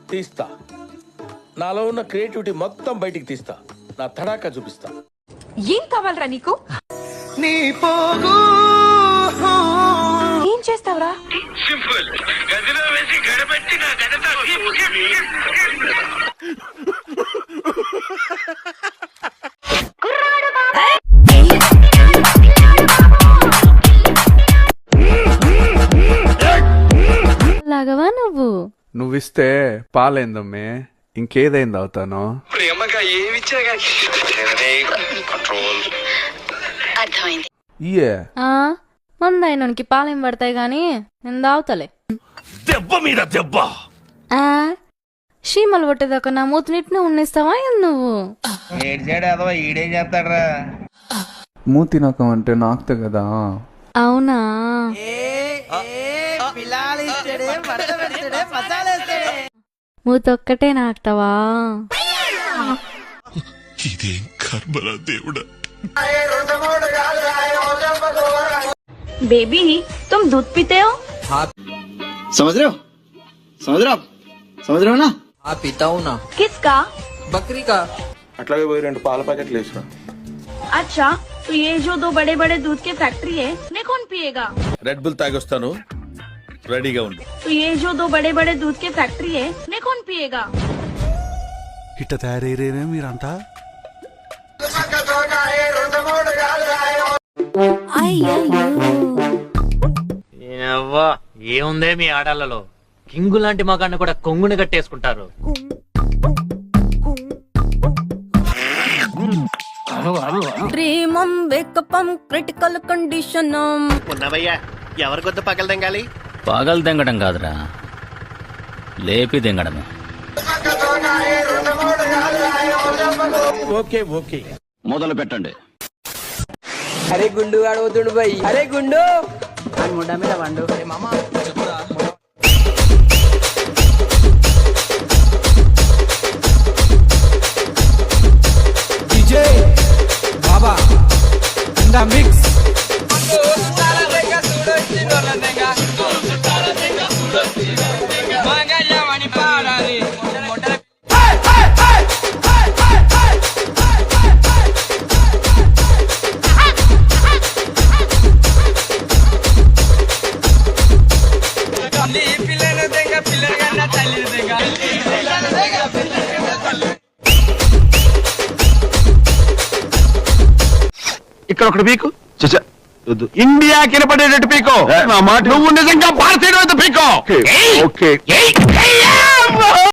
తీస్తా. నాలో ఉన్న క్రియేటివిటీ మొత్తం బయటికి తీస్తా. నా తడాకా చూపిస్తా. ఏం కావాలరా నీకు? నీ పోగు ఏం చేస్తావురా? సింపుల్. గదిలో వేసి గడపెట్టి నా గడతో లాగవా నువ్వు? నువ్విస్తే పాలైందమ్మే, ఇంకేదైంది అవుతాను. ప్రేమగా ఏమిచ్చా కంట్రోల్. అర్థమైంది. ఇయే మందైనకి పాలేం పడతాయి గాని నేను దావుతలే. దెబ్బ మీద దెబ్బ. చీమలు పట్టేదాకా నా మూతినిట్నే ఉన్నిస్తావా నువ్వు? ఈడేం చేస్తాడరా? మూతి నకం అంటే నాకుతే కదా. అవునా? మూతొక్కటే నాకుతావా? ఇదేం కర్మరా దేవుడా. बेबी तुम दूध पीते हो? समझ रहे हो? समझ रहे हो आप? समझ रहे हो ना? हाँ पीता हूँ ना. किसका? बकरी का. అట్లాగే పోయి 2 పాల ప్యాకెట్లు వేసినా. अच्छा तो ये जो 2 बड़े बड़े दूध के फैक्ट्री है ने कौन पिएगा? రెడ్ బుల్ తాగొస్తాను, రెడీగా ఉండు. तो ये जो 2 बड़े बड़े दूध के फैक्ट्री है ने कौन पिएगा? ఇట్ట తయారయ్యేనే మీరంతా. ఏముందే మీ ఆడాలలో కింగు లాంటి మగాన్ని కూడా కొంగుని కట్టేసుకుంటారు. ప్రేమం వేకపం క్రిటికల్ కండిషన్. ఉన్నవయ్యా ఎవరి కొద్ది పగలు తెంగాలి? పగలు తెంగడం కాదురా, లేపి తెంగడమే. ఓకే ఓకే మొదలు పెట్టండి. अरे गुंडू आड़ोतुंड भाई. अरे गुंडू मुंडा में वांडो. मामा डीजे बाबा इन द मिक्स. ఇక్కడ ఒకటి పీకు. ఇండియా కినపడేటట్టు పీకో. నా మాట నువ్వు నిజంగా భారతీయుడు పీకో. ఓకే